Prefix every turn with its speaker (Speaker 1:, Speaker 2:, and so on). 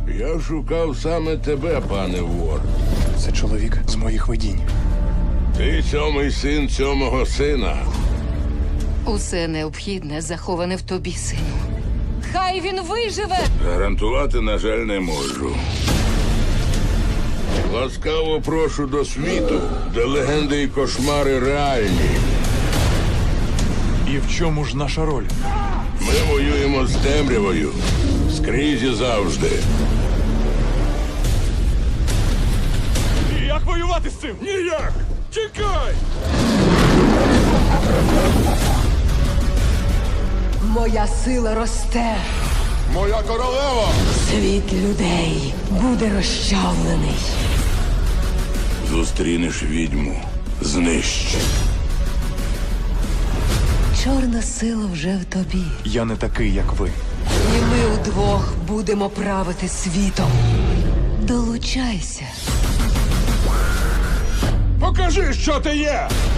Speaker 1: Я шукав саме тебе, пане вор.
Speaker 2: Це чоловік з моїх видінь.
Speaker 1: Ти сьомий син сьомого сина.
Speaker 3: Усе необхідне заховане в тобі, сину. Хай він виживе!
Speaker 1: Гарантувати, на жаль, не можу. Ласкаво прошу до світу, де легенди і кошмари реальні.
Speaker 2: І в чому ж наша роль?
Speaker 1: Ми воюємо з темрявою. Скрізь і завжди.
Speaker 2: Як воювати з цим?
Speaker 1: Ніяк! Тікай!
Speaker 4: Моя сила росте.
Speaker 1: Моя королева!
Speaker 4: Світ людей буде розчавлений.
Speaker 1: Зустрінеш відьму. Знищ.
Speaker 4: Чорна сила вже в тобі.
Speaker 2: Я не такий, як ви.
Speaker 4: І ми удвох будемо правити світом. Долучайся.
Speaker 1: Покажи, що ти є!